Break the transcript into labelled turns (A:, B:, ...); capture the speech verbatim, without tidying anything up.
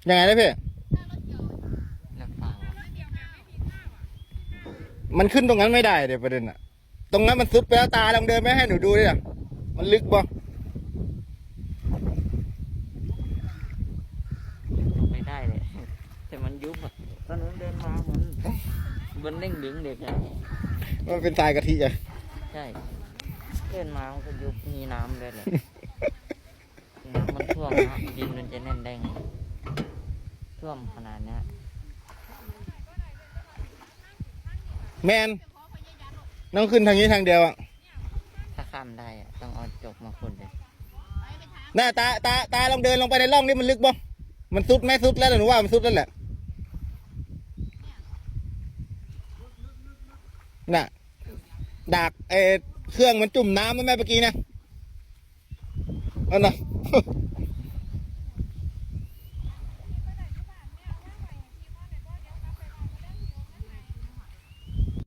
A: ยังไงนะพี่มันขึ้นตรงนั้นไม่ได้เดี๋ยวประเด็นอะตรงนั้นมันซุดไปแล้วตาลองเดินไปให้หนูดูดิอะมันลึกบ่
B: ไม่ได้เลยแต่มันยุบอะตอนนั้นเดินมาเหมือนมันเด้งดึงเด็กอะ
A: มันเป็นทรายกะทิอะ
B: ใช่เดินมามันก็ยุบมีน้ำเลยแหละน้ำมันท่วมนะดินมันจะแน่นแดงท่วมขนาดนี้
A: แมนต้องขึ้นทางนี้ทางเดียวอะ
B: ถ้าข้ามได้อะต้องเอาจกมาขุดเลย
A: หน้าตาตาตาลองเดินลงไปในร่องนี่มันลึกบ่มันซุดไหมซุดแล้วหนูว่ามันซุดแล้วแหละน่ะดากเอเครื่องมันจุ่มน้ำไหมแม่เมื่อกี้นะอันน่ะ